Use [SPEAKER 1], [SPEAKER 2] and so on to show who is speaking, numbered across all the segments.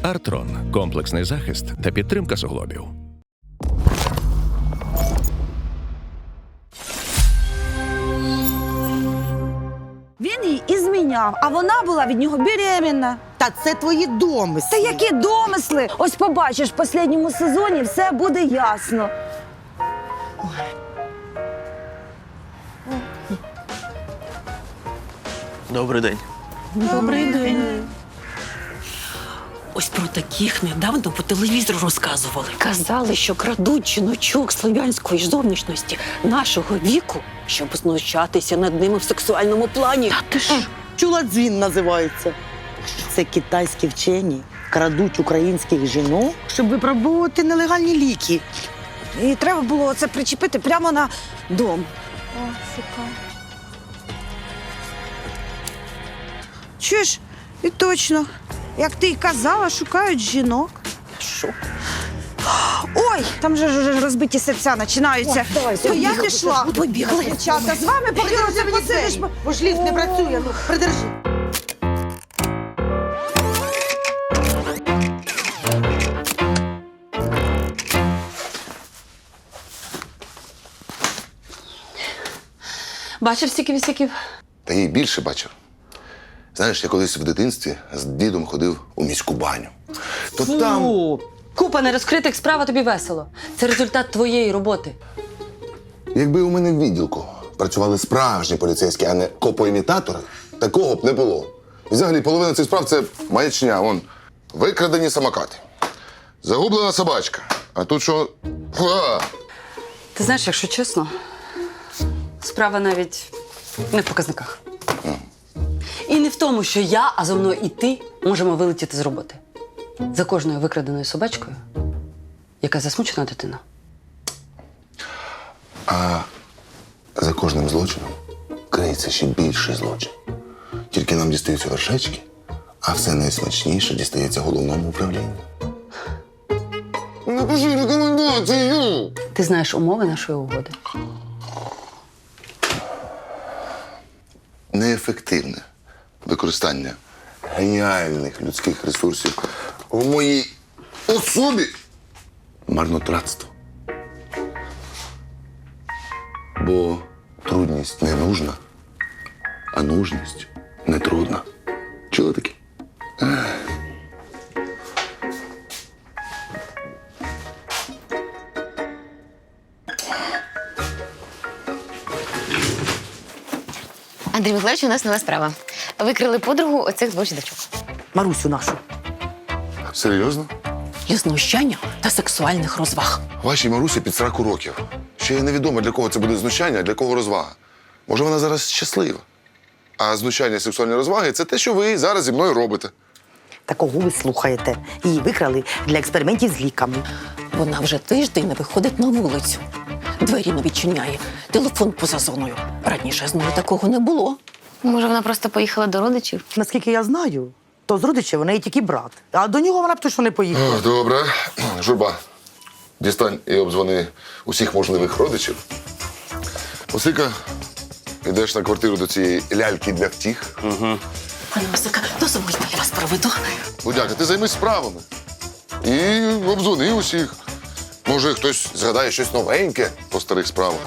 [SPEAKER 1] Артрон – комплексний захист та підтримка суглобів.
[SPEAKER 2] Він її і зміняв, а вона була від нього беременна.
[SPEAKER 3] Та це твої домисли.
[SPEAKER 2] Та які домисли! Ось побачиш, в останньому сезоні все буде ясно.
[SPEAKER 4] Добрий день.
[SPEAKER 2] Добрий день.
[SPEAKER 5] Ось про таких недавно по телевізору розказували. Казали, що крадуть жіночок слов'янської ж зовнішності нашого віку, щоб знущатися над ними в сексуальному плані. Та ти ж.
[SPEAKER 3] Чуладзін називається. Це китайські вчені крадуть українських жінок, щоб випробовувати нелегальні ліки.
[SPEAKER 2] І треба було це причепити прямо на дом. О, сука. Чуєш? І точно. Як ти й казала, шукають жінок.
[SPEAKER 5] Що?
[SPEAKER 2] Ой, там же ж розбиті серця починаються. То я пішла.
[SPEAKER 5] Побігли.
[SPEAKER 2] Дівчата, з вами подивимося, посидиш.
[SPEAKER 3] Бо ж ліфт не працює, ну, придержи.
[SPEAKER 5] Бачив стільки вісяків?
[SPEAKER 6] Та їй більше бачив. Знаєш, я колись в дитинстві з дідом ходив у міську баню. То там.
[SPEAKER 5] Купа нерозкритих справ, а тобі весело. Це результат твоєї роботи.
[SPEAKER 6] Якби у мене в відділку працювали справжні поліцейські, а не копоімітатори, такого б не було. І взагалі половина цих справ це маячня. Вон, викрадені самокати, загублена собачка. А тут що?
[SPEAKER 5] Ти знаєш, якщо чесно, справа навіть не в показниках. І не в тому, що я, а зо мною і ти можемо вилетіти з роботи. За кожною викраденою собачкою, яка засмучена дитина.
[SPEAKER 6] А за кожним злочином криється ще більший злочин. Тільки нам дістаються вершечки, а все найсмачніше дістається головному управлінню. Напиши рекомендацію!
[SPEAKER 5] Ти знаєш умови нашої угоди.
[SPEAKER 6] Неефективне використання геніальних людських ресурсів в моїй особі марнотратство. Бо трудність не нужна, а нужність не трудна. Чули таке?
[SPEAKER 7] Андрій Миколаївич, у нас нова справа. Викрили подругу оцих двох жіночок.
[SPEAKER 3] Марусю нашу.
[SPEAKER 6] Серйозно?
[SPEAKER 5] Для знущання та сексуальних розваг.
[SPEAKER 6] Вашій Марусі під 40 років. Ще невідомо, для кого це буде знущання, а для кого розвага. Може, вона зараз щаслива. А знущання і сексуальні розваги – це те, що ви зараз зі мною робите.
[SPEAKER 3] Та кого ви слухаєте? Її викрали для експериментів з ліками.
[SPEAKER 5] Вона вже тиждень не виходить на вулицю. Двері не відчиняє, телефон поза зоною. Раніше з нею такого не було.
[SPEAKER 7] Може, вона просто поїхала до родичів?
[SPEAKER 3] Наскільки я знаю, то з родичів у неї тільки брат. А до нього вона б точно не поїхала.
[SPEAKER 6] Добре. Журба, дістань і обдзвони усіх можливих родичів. Осика, йдеш на квартиру до цієї ляльки для втіх.
[SPEAKER 5] Пане Осика, дозвольте, я вас проведу.
[SPEAKER 6] Будяка, ти займись справами. І обдзвони усіх. Може, хтось згадає щось новеньке по старих справах.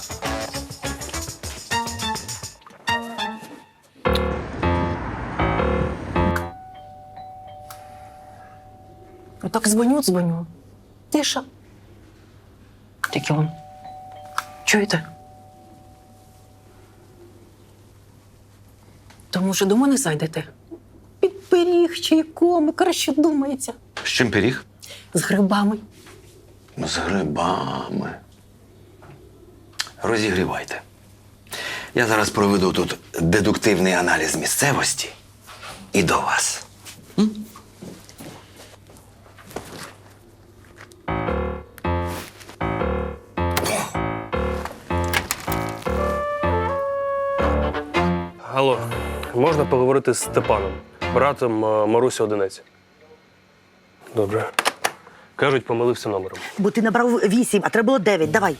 [SPEAKER 5] Так дзвоню. Тиша. Тільки он. Чуєте? То, може, до мене зайдете? Під пиріг чайком, краще думається.
[SPEAKER 4] З чим пиріг?
[SPEAKER 5] З грибами.
[SPEAKER 4] З грибами. Розігрівайте. Я зараз проведу тут дедуктивний аналіз місцевості і до вас.
[SPEAKER 8] Алло, можна поговорити з Степаном, братом Марусі Одинець? Добре. Кажуть, помилився номером.
[SPEAKER 3] Бо ти набрав 8, а треба було 9. Давай.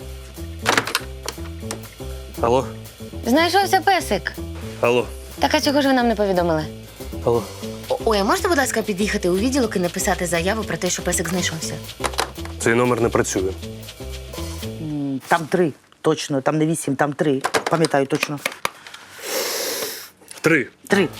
[SPEAKER 8] Алло?
[SPEAKER 7] Знайшовся песик.
[SPEAKER 8] Алло?
[SPEAKER 7] Так а чого ж ви нам не повідомили?
[SPEAKER 8] Алло?
[SPEAKER 7] Ой, а можете, будь ласка, під'їхати у відділок і написати заяву про те, що песик знайшовся?
[SPEAKER 8] Цей номер не працює.
[SPEAKER 3] Там 3, точно, там не 8, там 3. Пам'ятаю точно.
[SPEAKER 8] 3.
[SPEAKER 3] 3.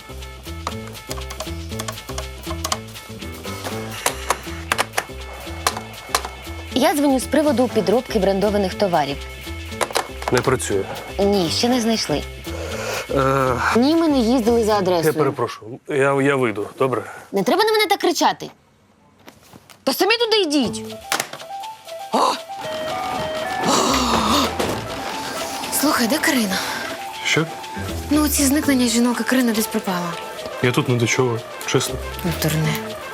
[SPEAKER 7] Я дзвоню з приводу підробки брендованих товарів.
[SPEAKER 8] Не працює.
[SPEAKER 7] Ні, ще не знайшли. Ні, ми не їздили за
[SPEAKER 8] Я
[SPEAKER 7] адресою.
[SPEAKER 8] перепрошую. Я вийду, добре?
[SPEAKER 7] Не треба на мене так кричати. Та самі туди йдіть. Слухай, де Карина?
[SPEAKER 8] Що?
[SPEAKER 7] Ну, ці зникнення жінок, і Карина десь пропала.
[SPEAKER 8] Я тут не до чого, чесно.
[SPEAKER 7] Ну, дурне.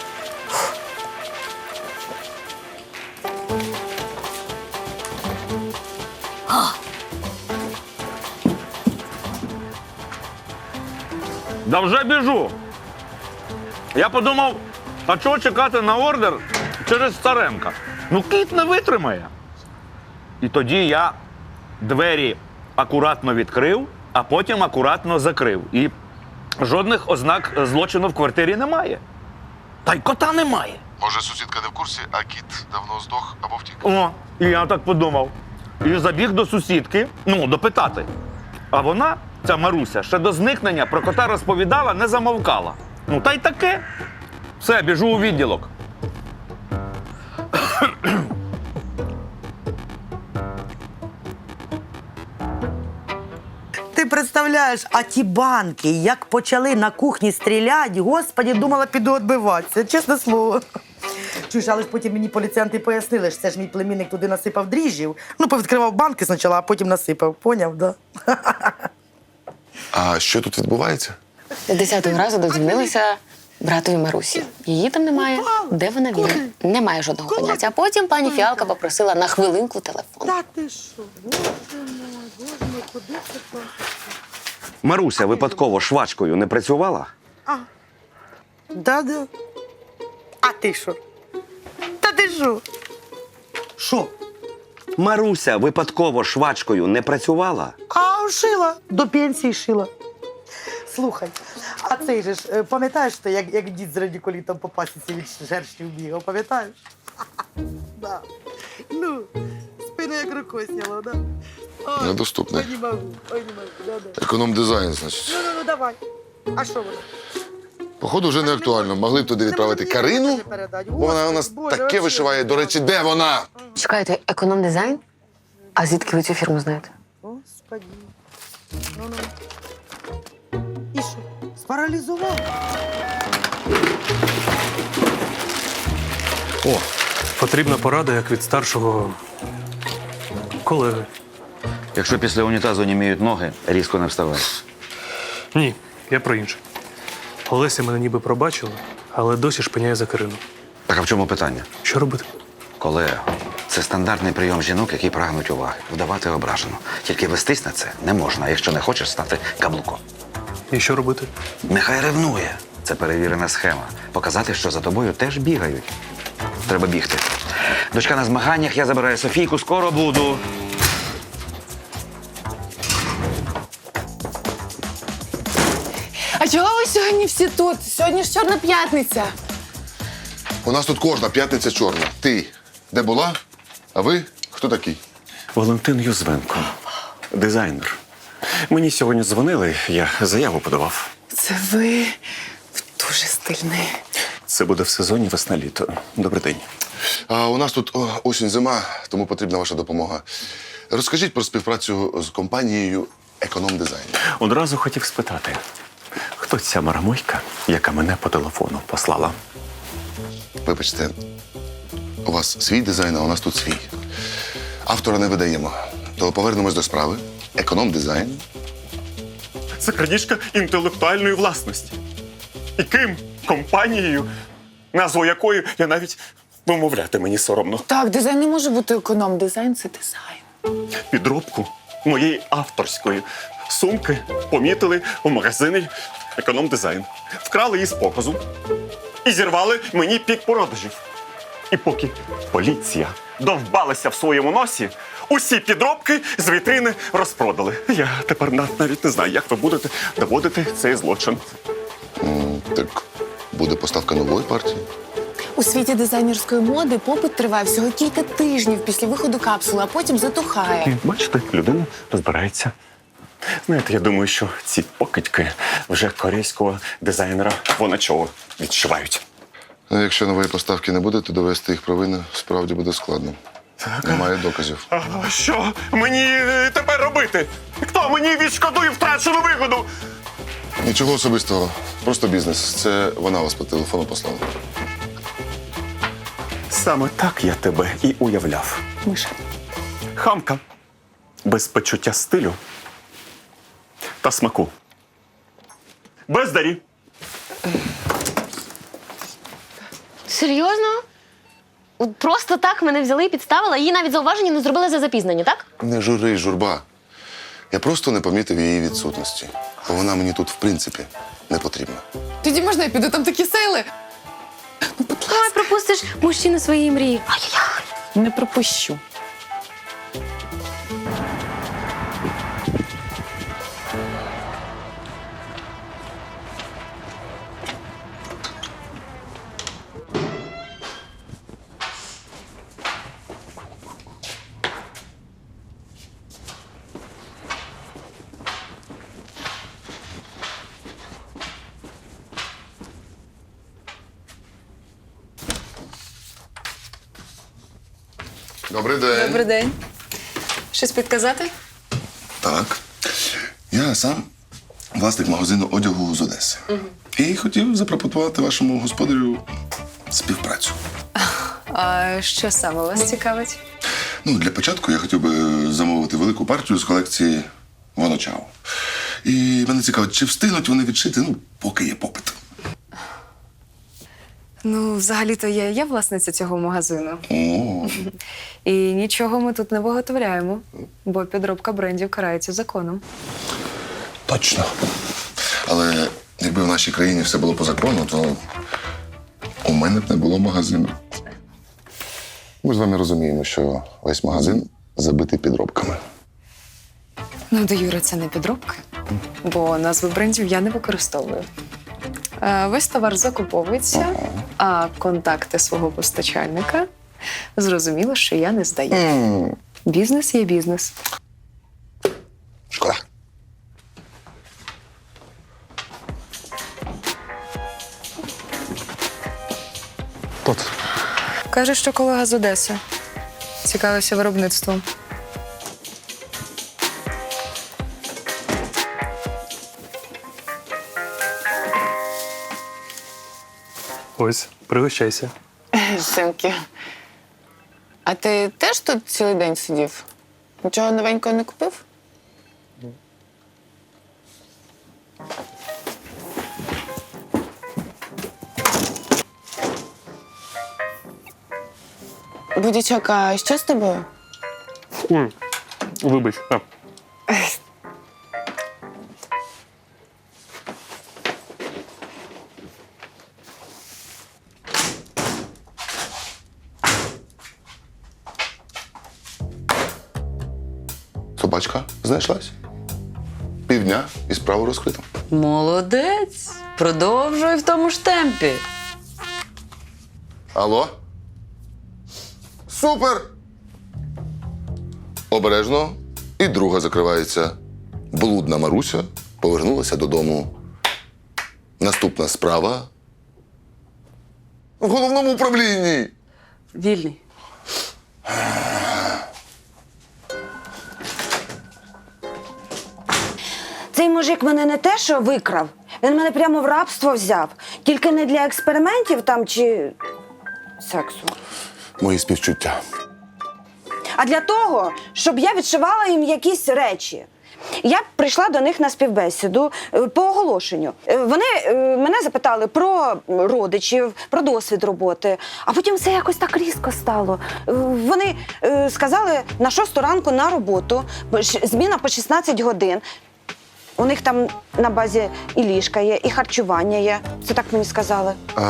[SPEAKER 9] Да вже біжу. Я подумав, а чого чекати на ордер через Царенка? Ну, кіт не витримає. І тоді я двері акуратно відкрив, а потім акуратно закрив. І жодних ознак злочину в квартирі немає. Та й кота немає.
[SPEAKER 6] Може, сусідка не в курсі, а кіт давно здох або втік?
[SPEAKER 9] О, і я так подумав. І забіг до сусідки, допитати. А вона, ця Маруся, ще до зникнення про кота розповідала, не замовкала. Ну, та й таке. Все, біжу у відділок.
[SPEAKER 3] Ти представляєш, а ті банки, як почали на кухні стріляти, господі, думала, піду відбиватися, чесне слово. Чуєш, але ж потім мені поліціянти пояснили, що це ж мій племінник туди насипав дріжджів. Ну, повідкривав банки спочатку, а потім насипав. Поняв, да?
[SPEAKER 6] А що тут відбувається?
[SPEAKER 7] З 10-го разу додзвонилися братові Марусі. Її там немає. Де вона він? Немає жодного поняття. А потім пані Фіалка попросила на хвилинку телефон.
[SPEAKER 3] Та ти що? Боже мой, куди це то?
[SPEAKER 4] Маруся випадково швачкою не працювала?
[SPEAKER 3] Да-да. А ти що? Та ти що? Що?
[SPEAKER 4] Маруся випадково швачкою не працювала?
[SPEAKER 3] А шила. До пенсії шила. Слухай, а цей же ж, пам'ятаєш ти, як дід з радикулітом по пасіці від шершнів бігав, пам'ятаєш? Да. Ну, спину як рукою сняло, да? Ой,
[SPEAKER 6] Недоступне.
[SPEAKER 3] Ой, не можу, да-да.
[SPEAKER 6] Економ-дизайн, значить.
[SPEAKER 3] Ну, давай. А що воно?
[SPEAKER 6] Походу, вже не актуально. Могли б туди відправити Карину, бо вона у нас таке вишиває. До речі, де вона?
[SPEAKER 7] Чекайте, економ-дизайн? А звідки ви цю фірму знаєте?
[SPEAKER 3] Господи. Ну. І що? Спаралізував?
[SPEAKER 8] О, потрібна порада, як від старшого колеги.
[SPEAKER 4] Якщо після унітазу німіють ноги, різко не вставай.
[SPEAKER 8] Ні, я про інше. Олеся мене ніби пробачила, але досі шпиняє за Карину.
[SPEAKER 4] Так а в чому питання?
[SPEAKER 8] Що робити?
[SPEAKER 4] Колега, це стандартний прийом жінок, які прагнуть уваги. Вдавати ображену. Тільки вестись на це не можна, якщо не хочеш стати каблуком.
[SPEAKER 8] І що робити?
[SPEAKER 4] Нехай ревнує. Це перевірена схема. Показати, що за тобою теж бігають. Треба бігти. Дочка на змаганнях, я забираю Софійку, скоро буду.
[SPEAKER 10] А чого ви сьогодні всі тут? Сьогодні ж Чорна п'ятниця.
[SPEAKER 6] У нас тут кожна п'ятниця чорна. Ти де була? А ви хто такий?
[SPEAKER 11] Валентин Юзвенко, дизайнер. Мені сьогодні дзвонили, я заяву подавав.
[SPEAKER 10] Це ви дуже стильний.
[SPEAKER 11] Це буде в сезоні весна-літо. Добрий день.
[SPEAKER 6] А у нас тут осінь-зима, тому потрібна ваша допомога. Розкажіть про співпрацю з компанією Економ-дизайн.
[SPEAKER 11] Одразу хотів спитати, хто ця марамойка, яка мене по телефону послала?
[SPEAKER 6] Вибачте, у вас свій дизайн, а у нас тут свій. Автора не видаємо. То повернемось до справи. Економ-дизайн.
[SPEAKER 11] Це крадіжка інтелектуальної власності. І ким? Компанією, назву якої я навіть вимовляти мені соромно.
[SPEAKER 10] Так, дизайн не може бути економ. Дизайн це дизайн.
[SPEAKER 11] Підробку моєї авторської сумки помітили у магазині «Економ-дизайн». Вкрали її з показу і зірвали мені пік продажів. І поки поліція довбалася в своєму носі, усі підробки з вітрини розпродали. Я тепер навіть не знаю, як ви будете доводити цей злочин.
[SPEAKER 6] Так буде поставка нової партії.
[SPEAKER 10] У світі дизайнерської моди попит триває всього кілька тижнів після виходу капсули, а потім затухає.
[SPEAKER 11] Бачите, людина розбирається. Знаєте, я думаю, що ці покидьки вже корейського дизайнера вона чого відчувають.
[SPEAKER 6] А якщо нової поставки не буде, то довести їх провини справді буде складно. Немає доказів.
[SPEAKER 11] А що мені тепер робити? Хто мені відшкодує втрачену вигоду?
[SPEAKER 6] Нічого особистого, просто бізнес. Це вона вас по телефону послала.
[SPEAKER 11] Саме так я тебе і уявляв.
[SPEAKER 10] Миша.
[SPEAKER 11] Хамка. Без почуття стилю та смаку. Бездарі.
[SPEAKER 7] Серйозно? От просто так мене взяли і підставили, їй навіть зауваження не зробили за запізнення, так?
[SPEAKER 6] Не жури, журба. Я просто не помітив її відсутності. Бо вона мені тут, в принципі, не потрібна.
[SPEAKER 10] Тоді можна я піду, там такі сейли.
[SPEAKER 7] Ой, пропустиш мужчину своєї мрії.
[SPEAKER 10] Не пропущу.
[SPEAKER 6] Добрий день.
[SPEAKER 10] Добрий день. Щось підказати?
[SPEAKER 6] Так. Я сам власник магазину одягу з Одеси. І хотів запропонувати вашому господарю співпрацю.
[SPEAKER 10] А що саме вас цікавить?
[SPEAKER 6] Ну, для початку я хотів би замовити велику партію з колекції Воночао. І мене цікавить, чи встигнуть вони відшити, ну, поки є попит.
[SPEAKER 10] Ну, взагалі-то я є власниця цього магазину.
[SPEAKER 6] О,
[SPEAKER 10] І нічого ми тут не виготовляємо, бо підробка брендів карається законом.
[SPEAKER 6] точно. Але якби в нашій країні все було по закону, то у мене б не було магазину. Ми з вами розуміємо, що весь магазин забитий підробками.
[SPEAKER 10] Ну, до Юри, це не підробки, бо назви брендів я не використовую. Весь товар закуповується, а контакти свого постачальника зрозуміло, що я не здаю. Бізнес є бізнес.
[SPEAKER 6] Шкода.
[SPEAKER 8] Хто це?
[SPEAKER 10] Каже, що колега з Одеси. Цікавився виробництвом.
[SPEAKER 8] Ось, пригощайся.
[SPEAKER 10] Синки. А ти теж тут цілий день сидів? Нічого новенького не купив? Будячок, а що з тобою?
[SPEAKER 8] Вибач. А.
[SPEAKER 6] Собачка знайшлась. Півдня і справу розкрито.
[SPEAKER 5] Молодець. Продовжуй в тому ж темпі.
[SPEAKER 6] Алло? Супер! Обережно. І друга закривається. Блудна Маруся повернулася додому. Наступна справа в головному управлінні.
[SPEAKER 5] Вільний.
[SPEAKER 2] Цей мужик мене не те, що викрав, він мене прямо в рабство взяв. Тільки не для експериментів там чи сексу.
[SPEAKER 6] Мої співчуття.
[SPEAKER 2] А для того, щоб я відшивала їм якісь речі. Я прийшла до них на співбесіду по оголошенню. Вони мене запитали про родичів, про досвід роботи, а потім все якось так різко стало. Вони сказали на 6 ранку на роботу, зміна по 16 годин. У них там на базі і ліжка є, і харчування є. Це так мені сказали.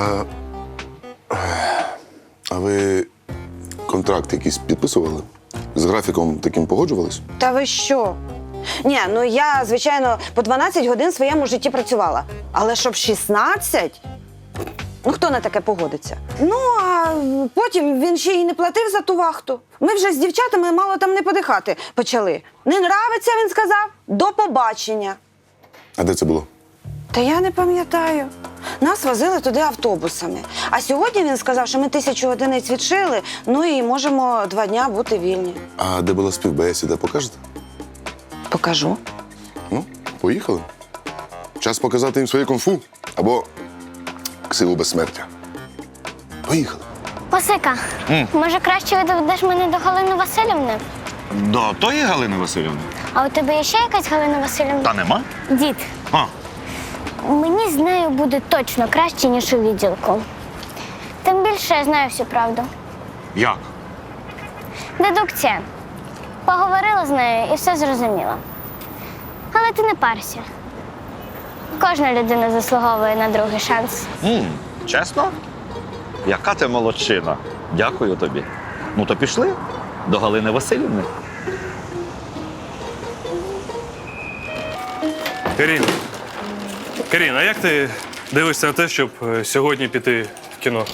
[SPEAKER 6] А ви контракт якийсь підписували? З графіком таким погоджувались?
[SPEAKER 2] Та ви що? Ні, ну я, звичайно, по 12 годин в своєму житті працювала. Але щоб 16? Ну, хто на таке погодиться? Ну, а потім він ще й не платив за ту вахту. Ми вже з дівчатами мало там не подихати почали. Не нравиться, він сказав, до побачення.
[SPEAKER 6] А де це було?
[SPEAKER 2] Та я не пам'ятаю. Нас возили туди автобусами. А сьогодні він сказав, що ми 1000 одиниць відшили, ну і можемо 2 дня бути вільні.
[SPEAKER 6] А де була співбесіда, покажете?
[SPEAKER 2] Покажу.
[SPEAKER 6] Ну, поїхали. Час показати їм своє кунг-фу або ксиву безсмертя. Поїхали.
[SPEAKER 12] Осика, може краще відведеш мене до Галини Васильівни?
[SPEAKER 9] До тої Галини Васильівни?
[SPEAKER 12] А у тебе є ще якась Галина Васильівна?
[SPEAKER 9] Та нема?
[SPEAKER 12] Дід,
[SPEAKER 9] А,
[SPEAKER 12] мені з нею буде точно краще, ніж у відділку. Тим більше я знаю всю правду.
[SPEAKER 9] як?
[SPEAKER 12] Дедукція. Поговорила з нею і все зрозуміла. Але ти не парся. Кожна людина заслуговує на другий шанс.
[SPEAKER 9] Чесно? Яка ти молодчина. Дякую тобі. Ну то пішли до Галини Васильівни.
[SPEAKER 8] Карін, а як ти дивишся на те, щоб сьогодні піти в кіно?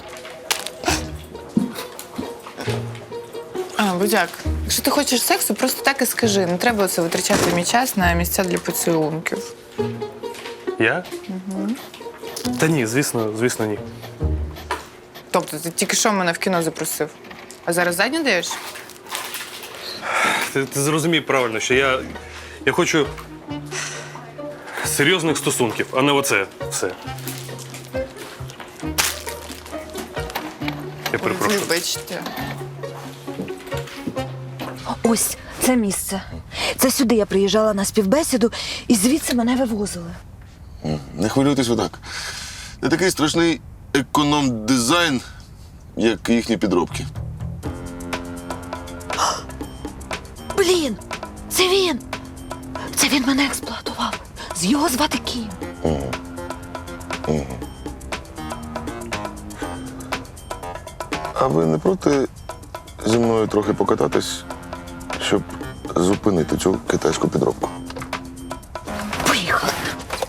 [SPEAKER 10] Будяк, якщо ти хочеш сексу, просто так і скажи. Не треба оце витрачати мій час на місця для поцілунків.
[SPEAKER 8] Я? Та ні, звісно, ні.
[SPEAKER 10] Тобто ти тільки що мене в кіно запросив, а зараз задню даєш?
[SPEAKER 8] Ти зрозумій правильно, що я хочу серйозних стосунків, а не оце все. Я перепрошую.
[SPEAKER 10] Вибачте.
[SPEAKER 13] Ось це місце. Це сюди я приїжджала на співбесіду і звідси мене вивозили.
[SPEAKER 6] Не хвилюйтесь ви так. Не такий страшний економ-дизайн, як їхні підробки.
[SPEAKER 13] Блін, це він! Це він мене експлуатував. З його звати Кім.
[SPEAKER 6] А ви не проти зі мною трохи покататись, щоб зупинити цю китайську підробку?
[SPEAKER 13] Поїхали.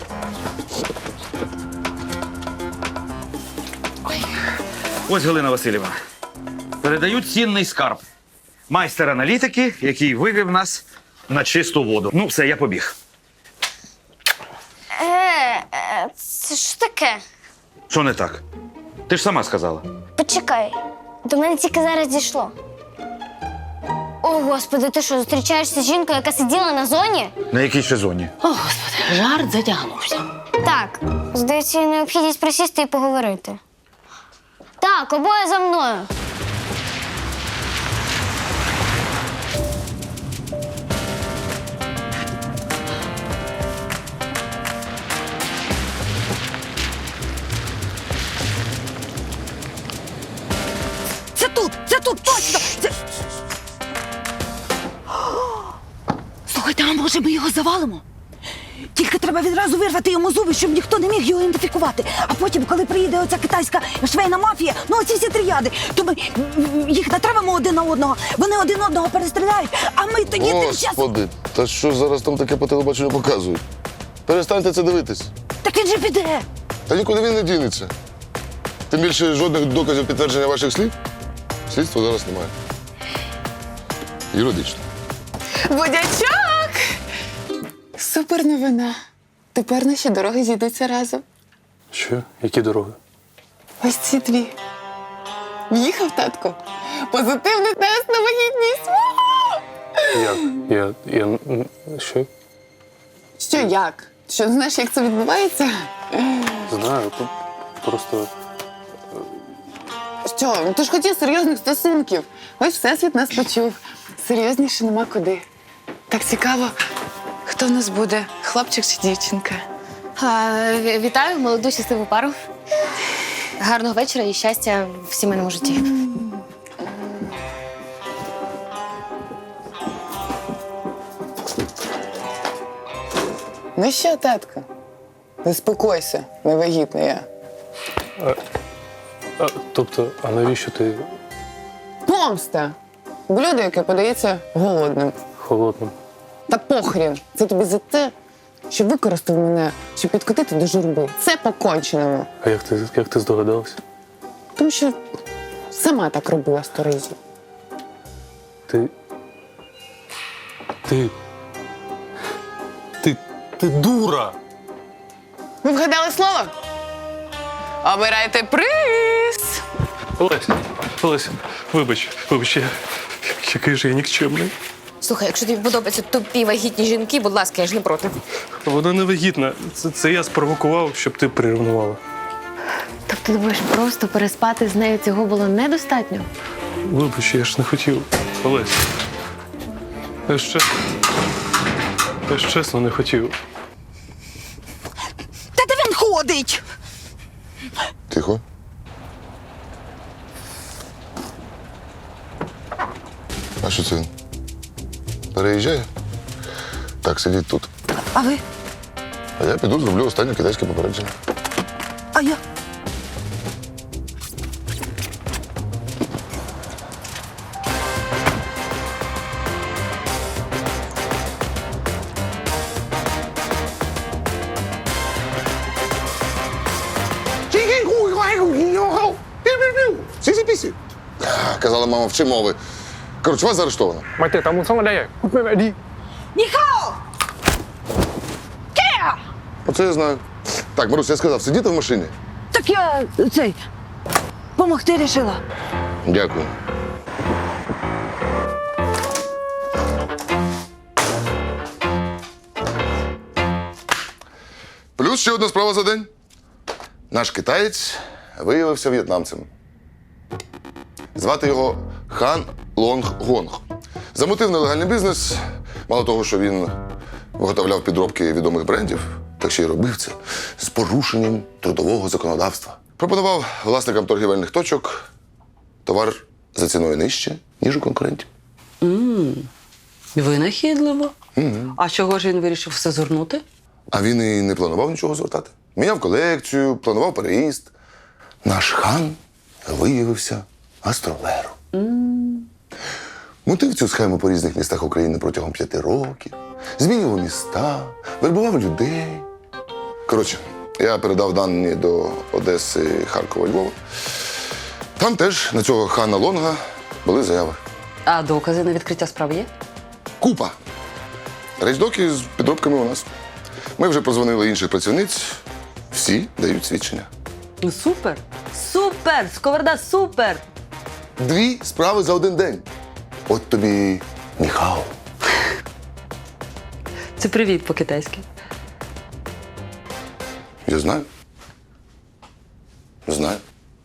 [SPEAKER 9] Ось Галина Васильівна. Передаю цінний скарб. Майстер аналітики, який вивів нас на чисту воду. Ну, все, я побіг.
[SPEAKER 12] Це ж таке?
[SPEAKER 9] Що не так? Ти ж сама сказала.
[SPEAKER 12] Почекай, до мене тільки зараз дійшло. О, Господи, ти що, зустрічаєшся з жінкою, яка сиділа на зоні?
[SPEAKER 9] На якій ще зоні?
[SPEAKER 13] Жарт затягнувся.
[SPEAKER 12] Так, здається, є необхідність присісти і поговорити. Так, обоє за мною.
[SPEAKER 13] Це тут, точно! Слухайте, а може ми його завалимо? Тільки треба відразу вирвати йому зуби, щоб ніхто не міг його ідентифікувати. А потім, коли приїде оця китайська швейна мафія, ну оці всі тріади, то ми їх натравимо один на одного, вони один одного перестріляють, а ми тоді тим часом...
[SPEAKER 6] Господи, та що зараз там таке по телебаченню показують? Перестаньте це дивитись.
[SPEAKER 13] Так він же піде!
[SPEAKER 6] Та нікуди він не дінеться. Тим більше жодних доказів підтвердження ваших слів слідства зараз немає. Юридично.
[SPEAKER 10] Будячок! Супер новина. Тепер наші дороги зійдуться разом.
[SPEAKER 8] Що? Які дороги?
[SPEAKER 10] Ось ці дві. В'їхав, татко. Позитивний тест на вагітність.
[SPEAKER 8] Як? Що?
[SPEAKER 10] Що як? Що, не знаєш, як це відбувається?
[SPEAKER 8] Знаю, тут просто...
[SPEAKER 10] Що? Ну ти ж хотів серйозних стосунків. Ось Всесвіт нас почув. Серйозніше нема куди. Так цікаво, хто в нас буде, хлопчик чи дівчинка?
[SPEAKER 7] Вітаю молоду щасливу пару. Гарного вечора і щастя в сімейному житті.
[SPEAKER 10] Ну що, татко? Заспокойся, невагітна я.
[SPEAKER 8] Тобто, а навіщо ти
[SPEAKER 10] Помста! Блюдо, яке подається голодним.
[SPEAKER 8] холодним?
[SPEAKER 10] Та похрін! Це тобі за те, що використав мене, щоб підкотити до журби. Це по-конченому.
[SPEAKER 8] А як ти здогадалась?
[SPEAKER 10] Тому що сама так робила 100 разів.
[SPEAKER 8] Ти дура!
[SPEAKER 10] Ви вгадали слово? Обирайте приз!
[SPEAKER 8] Олесь, вибач, який же я нікчемний.
[SPEAKER 7] Слухай, якщо тобі подобаються тупі вагітні жінки, будь ласка, я ж не проти.
[SPEAKER 8] Вона не вагітна. Це я спровокував, щоб ти приревнувала.
[SPEAKER 7] Тобто, ти думаєш, просто переспати з нею цього було недостатньо?
[SPEAKER 8] Вибач, я ж не хотів. Олесь. Я ж чесно не хотів.
[SPEAKER 13] Та де він ходить?
[SPEAKER 6] Тихо. А що це він? Переїжджає? Так, сидіть тут.
[SPEAKER 13] А ви?
[SPEAKER 6] А я піду зроблю останнє китайське попередження.
[SPEAKER 13] А я?
[SPEAKER 6] Сісі-пісі. Казала мама, вчи мови. Коротше, вас заарештовано.
[SPEAKER 13] Ніхао! Ке!
[SPEAKER 6] Оце я знаю. Так, Марусь, я сказав, сидіти в машині.
[SPEAKER 13] Так я помогти рішила.
[SPEAKER 6] Дякую. Плюс ще одна справа за день. Наш китаєць виявився в'єтнамцем. Звати його Хан Лонг Гонг. Замутив нелегальний бізнес. Мало того, що він виготовляв підробки відомих брендів, так ще й робив це з порушенням трудового законодавства. Пропонував власникам торгівельних точок товар за ціною нижче, ніж у конкурентів.
[SPEAKER 5] Винахідливо. А чого ж він вирішив все згорнути?
[SPEAKER 6] А він і не планував нічого звертати. Міняв колекцію, планував переїзд. Наш хан виявився гастролером. Мутив цю схему по різних містах України протягом 5 років, змінював міста, вербував людей. Коротше, я передав дані до Одеси, Харкова, Львова. Там теж на цього Хана Лонга були заяви.
[SPEAKER 5] А докази на відкриття справи є?
[SPEAKER 6] Купа. Речдоки з підробками у нас. Ми вже позвонили інших працівниць. Всі дають свідчення.
[SPEAKER 5] Ну супер! Супер! Сковорода, супер!
[SPEAKER 6] 2 справи за 1 день. От тобі ніхао.
[SPEAKER 5] Це привіт по-китайськи.
[SPEAKER 6] Я знаю. Знаю.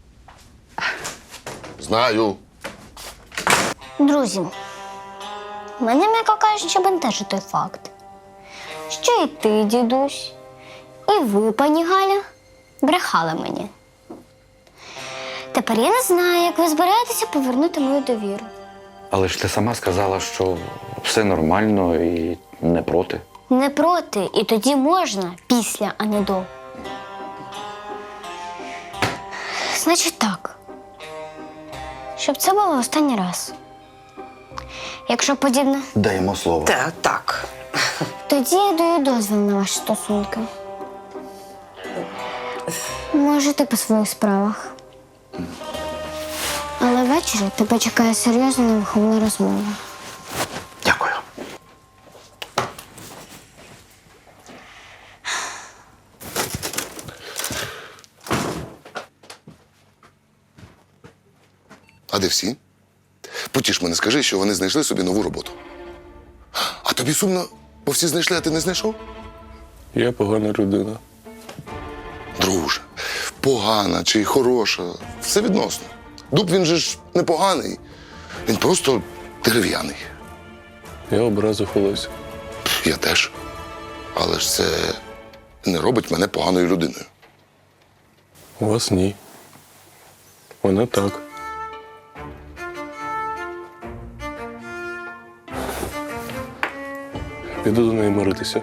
[SPEAKER 6] Знаю.
[SPEAKER 12] Друзі, мене, м'яко кажучи, бентежить той факт, що і ти, дідусь, і ви, пані Галя, брехали мені. Тепер я не знаю, як ви збираєтеся повернути мою довіру.
[SPEAKER 4] Але ж ти сама сказала, що все нормально і не проти.
[SPEAKER 12] Не проти, і тоді можна після, а не до. Значить так. Щоб це було останній раз. Якщо подібне,
[SPEAKER 4] Даємо слово.
[SPEAKER 5] Так.
[SPEAKER 12] тоді я даю дозвіл на ваші стосунки. Можете по своїх справах. Але ввечері тебе чекає серйозна невиховна розмова.
[SPEAKER 4] Дякую.
[SPEAKER 6] А де всі? Потіш мене, скажи, що вони знайшли собі нову роботу. А тобі сумно, бо всі знайшли, а ти не знайшов?
[SPEAKER 8] Я погана людина.
[SPEAKER 6] Друже, погана чи хороша, все відносно. Дуб він же ж не поганий, він просто дерев'яний.
[SPEAKER 8] Я образив Олесю.
[SPEAKER 6] Я теж. Але ж це не робить мене поганою людиною.
[SPEAKER 8] У вас ні. Вона так. Піду до неї миритися.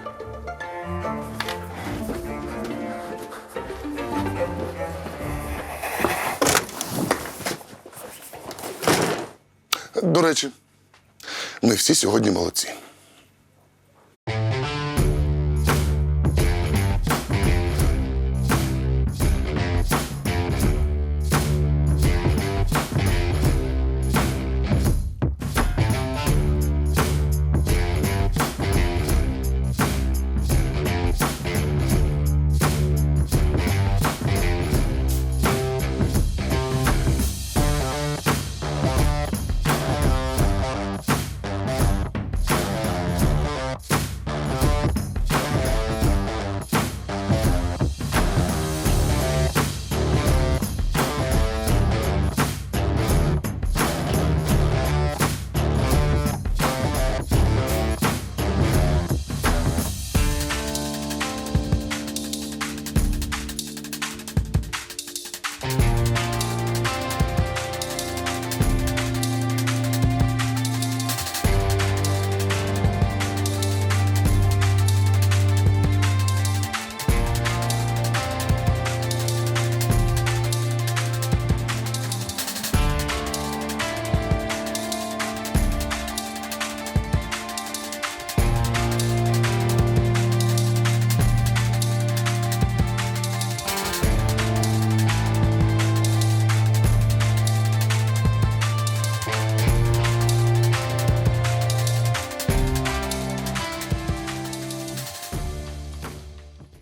[SPEAKER 6] До речі, ми всі сьогодні молодці.